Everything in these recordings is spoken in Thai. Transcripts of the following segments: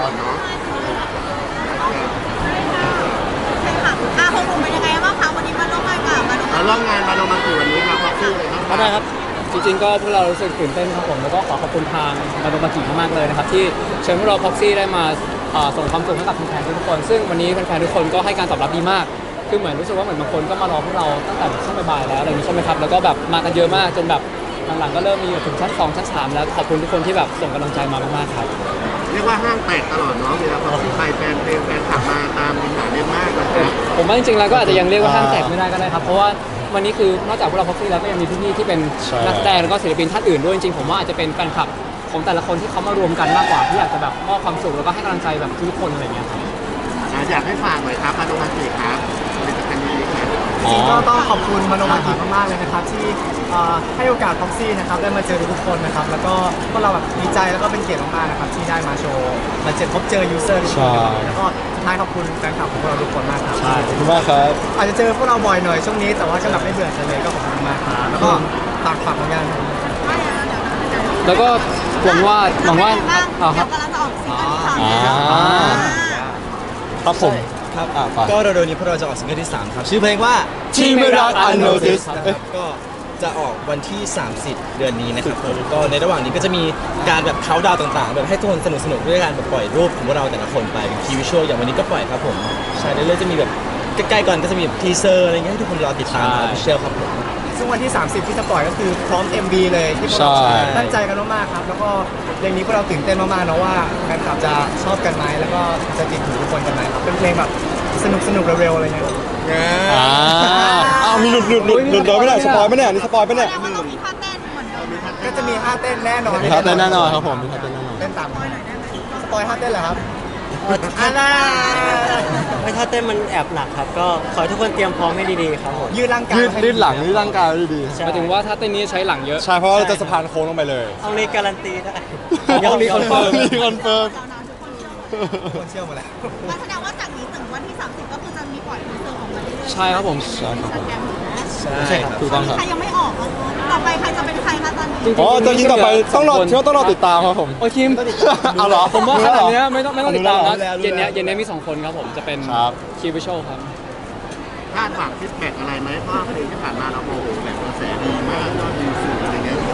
อนเนาะของผมเป็นยังไงบ้างคะวันนี้มาร่วมงานกับเราร่วมงานมาโนมากี่วันนี้ครับพ็อกซี่เลยครับได้ครับจริงๆก็พวกเรารู้สึกตื่นเต้นครับผมแล้วก็ขอบคุณทางมาโดมากิมากๆเลยนะครับที่เชิญพวกเราพ็อกซี่ได้มาส่งความสุขให้กับแฟนๆทุกคนซึ่งวันนี้แฟนๆทุกคนก็ให้การตอบรับดีมากคือเหมือนรู้สึกว่าเหมือนบางคนก็มารอพวกเราตั้งแต่ช่วงบ่ายๆแล้วอะไรอย่างนี้ใช่ไหมครับแล้วก็แบบมากันเยอะมากจนแบบหลังๆก็เริ่มมีถึงชั้น2ชั้น3แล้วขอบคุณทุกคนที่แบบส่งกำลังใจมามากๆครับเรียกว่าห้างแตกตลอดเนาะเวลาพ็อกซี่ไปแฟนเพลงแฟนขับมาตามดินหนาเล่นมากเลยครับผมว่าจริงๆแล้วก็อาจจะยังเรียกว่าห้างแตกไม่ได้ก็ได้ครับเพราะว่าวันนี้คือนอกจากพวกเราพ็อกซี่แล้วก็ยังมีพี่ๆที่เป็นนักแสดงแล้วก็ศิลปินท่านอื่นด้วยจริงๆผมว่าอาจจะเป็นแฟนคลับของแต่ละคนที่เขามารวมกันมากกว่าที่อยากจะแบบมอบความสุขแล้วก็ให้กำลังใจแบบทุกคนอะไรอย่างเงี้ยครับอยากให้ฝากหน่อยครับมาโนมากิครับผลิตภัณฑ์ดีๆครับจริงก็ต้องขอบคุณมโนมากิมากๆเลยนะครับที่ให้โอกาสพ็อกซี่นะครับได้มาเจอทุกคนนะครับแล้วก็พวกเราแบบดีใจแล้วก็เป็นเกียรติมากๆนะครับที่ได้มาโชว์มาพบเจอยูเซอร์ทุกคนแล้วก็สุดท้ายขอบคุณแฟนคลับของพวกเราทุกคนมากครับขอบคุณมากครับอาจจะเจอพวกเราบ่อยหน่อยช่วงนี้แต่ว่าก็แบบไม่เบื่อเลยก็ขอบคุณมากครับแล้วก็ฝากผลงานแล้วก็หวังว่าครับกำลังจะออกซิงเกิลที่3 ครับผมครับก็เร็วๆนี้พวกเราจะออกซิงเกิลที่3ครับชื่อเพลงว่าที่ไม่รัก Unnoticed ก็จะออกวันที่30เดือนนี้นะครับผมก็ในระหว่างนี้ก็จะมีการแบบเค้าดาวต่างๆแบบให้ทุกคนสนุกๆด้วยการแบบปล่อยรูปของพวกเราแต่ละคนไปเป็นทีวิชวลอย่างวันนี้ก็ปล่อยครับผมใช่เรื่อยๆจะมีแบบใกล้ๆก่อนก็จะมีแบบทีเซอร์อะไรเงี้ยให้ทุกคนรอติดตามออฟฟิเชียลครับผมซึ่งวันที่30ที่จะปล่อยก็คือพร้อม MV เลยที่พวกเราตั้งใจกันมากๆครับแล้วก็เพลงนี้พวกเราตื่นเต้นมากๆเนาะว่าแฟนคลับจะชอบกันไหมแล้วก็จะติดหูทุกคนกันไหมครับเป็นเพลงแบบสนุกๆเร็วๆอะไรเงี้ยมีหลุดเลยไม่ได้สปอยไม่ได้นี่สปอยไม่ได้เรามีท่าเต้นเหมือนเดิมก็จะมีท่าเต้นแน่นอนมีท่าเต้นแน่นอนครับผมมีท่าเต้นแน่นอนเต้นตามสปอยท่าเต้นเหรอครับไม่ถ้าเต้นมันแอบหนักครับก็ขอให้ทุกคนเตรียมพร้อมให้ดีๆครับผมยืดร่างกายยืดหลังยืดร่างกายดีหมายถึงว่าถ้าเต้นนี้ใช้หลังเยอะใช่เพราะเราจะสะพานโค้งลงไปเลยเอาในการันตีได้ยังมีคอนเฟิร์มคนเชื่อหมดแล้วแสดงว่าจากนี้ถึงวันที่30ก็คือจะมีปล่อยทีเซอร์ออกมาเรื่อยๆใช่ครับผมใช่ครับผมใช่ครับถูกต้องครับใครยังไม่ออกต่อไปใครจะเป็นใครคะตอนนี้ตอนนี้ต่อไปต้องรอติดตามครับผมโอ้คิมเอาเหรอผมว่าขนาดนี้ไม่ต้องติดตามนะเย็นนี้มี2คนครับผมจะเป็นคีวิชลครับคาดหวังฟีดแบ็กอะไรไหมเพราะเพลงที่ผ่านมาเราโมโหแบบกระแสดีมากยอดวิวสูงอะไรเงี้ย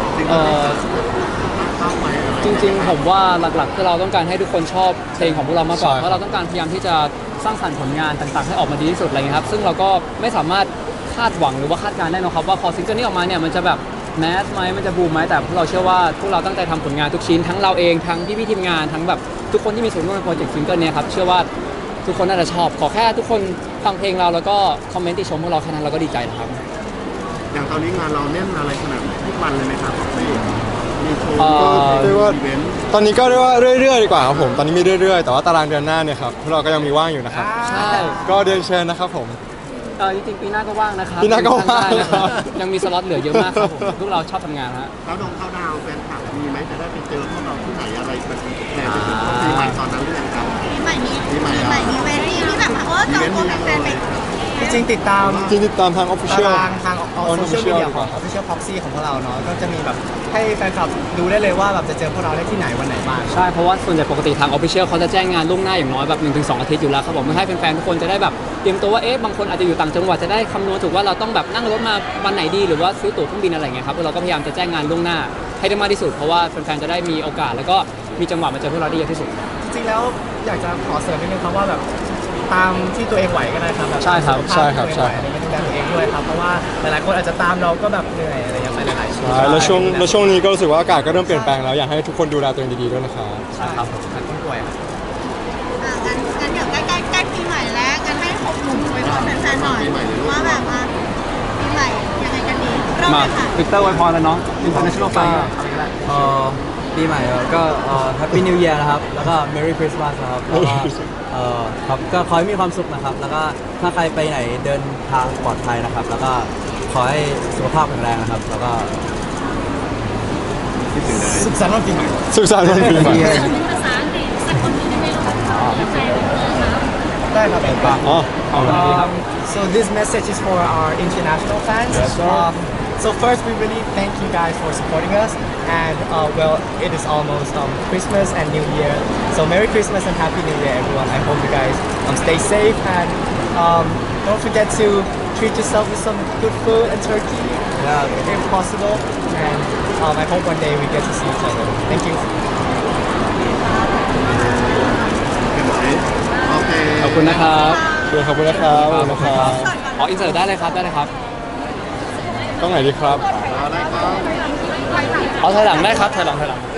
จริงๆผมว่าหลักๆคือเราต้องการให้ทุกคนชอบเพลงของพวกเรามากกว่าเพราะเราต้องการพยายามที่จะสร้างสรรค์ผลงานต่างๆให้ออกมาดีที่สุดอะไรเงี้ยครับซึ่งเราก็ไม่สามารถคาดหวังหรือว่าคาดการณ์ได้นะครับว่าพอซิงเกิลนี้ออกมาเนี่ยมันจะแบบแมสไหมมันจะบูมไหมแต่พวกเราเชื่อว่าพวกเราตั้งใจทำผลงานทุกชิ้นทั้งเราเองทั้งพี่ๆทีมงานทั้งแบบทุกคนที่มีส่วนร่วมในโปรเจกต์ซิงเกิลนี้ครับเชื่อว่าทุกคนน่าจะชอบขอแค่ทุกคนฟังเพลงเราแล้วก็คอมเมนต์ติชมพวกเราแค่นั้นเราก็ดีใจแล้วครับอย่างตอนนี้งานเราแน่นอะไรขนาดทุกวันเลยไหมครับพี่มีโชว์เรียกว่าตอนนี้ก็เรียกว่าเรื่อยๆดีกว่าครับผมตอนนี้มีเรื่อยๆแต่ว่าตารางเดือนหน้าเนี่ยครับพวกเราก็ยังมีว่างอยู่นะครับใช่ก็เดินเชิญนะครับผมจริงๆปีหน้าก็ว่างนะครับปีหน้าก็ว่างนะครับยังมีสล็อตเหลือเยอะมากครับผมพวกเราชอบทำงานฮะแล้วเข้าดาวแฟนคลับมีไหมจะได้ไปเจอพวกเราที่ไหนอะไรแบบแทนไปถึงปีใหม่ตอนนั้นหรือยังครับปีใหม่มีเวทีที่แบบจองตัวแฟนๆไปจริงติดตามทาง Official ทางโซเชียลมีเดียของ Official Proxy ของพวกเราเนาะก็จะมีแบบให้แฟนคลับดูได้เลยว่าแบบจะเจอพวกเราได้ที่ไหนวันไหนบ้างใช่เพราะว่าส่วนใหญ่ปกติทาง Official เขาจะแจ้งงานล่วงหน้าอย่างน้อยแบบ 1-2 อาทิตย์อยู่แล้วครับผมเพื่อให้แฟนๆทุกคนจะได้แบบเตรียมตัวว่าบางคนอาจจะอยู่ต่างจังหวัดจะได้คำนวณถูกว่าเราต้องแบบนั่งรถมาวันไหนดีหรือว่าซื้อตั๋วเครื่องบินอะไรเงี้ยครับเราก็พยายามจะแจ้งงานล่วงหน้าให้ได้มากที่สุดเพราะว่าแฟนๆจะได้มีโอกาสแล้วก็มีจังหวะมาเจอพวกเราได้เยอะที่สุดจริงๆแล้วอยากจะขอเสริมนิดนึงครับว่าแบบตามที่ตัวเองไหวก็ได้ครับใช่ครับใช่ครับใช่ดูแลตัวเองด้วยครับเพราะว่าหลายๆคนอาจจะตามเราก็แบบเหนื่อยอะไรอย่างเงี้ยหลายๆใช่แล้วช่วงนี้ก็รู้สึกว่าอากาศก็เริ่มเปลี่ยนแปลงแล้วอยากให้ทุกคนดูแลตัวเองดีๆด้วยนะครับใช่ครับต้องป่วยงั้นเดี๋ยวใกล้ปีใหม่แล้วงั้นให้6 หนุ่มไปพรแฟนๆหน่อยว่าแบบปีใหม่ยังไงกันดีมาวิกเตอร์ไวพรแล้วเนาะ International Fly ปีใหม่ก็Happy New Year นะครับแล้วก็ Merry Christmas นะครับแล้วก็ครับก็ขอให้มีความสุขนะครับแล้วก็ถ้าใครไปไหนเดินทางปลอดภัยนะครับแล้วก็ขอให้สุขภาพแข็งแรงนะครับแล้วก็สุขสันต์วันปีใหม่สุขสันต์วันปีใหม่ภาษาอังกฤษสักคนนึงได้ไหมลูกได้ครับอ๋อขอบคุณครับ So this message is for our international fans. So first, we really thank you guys for supporting us. And well, it is almost Christmas and New Year. So Merry Christmas and Happy New Year, everyone. I hope you guys stay safe and don't forget to treat yourself with some good food and turkey, if possible. And I hope one day we get to see each other. Thank you. โอเคขอบคุณนะครับขอบคุณนะครับขอบคุณนะครับอ๋ออินเสิร์ตได้เลยครับได้เลยครับต้องไหนดีครับเอาละครับเอาถอยหลังได้ครับถอยหลัง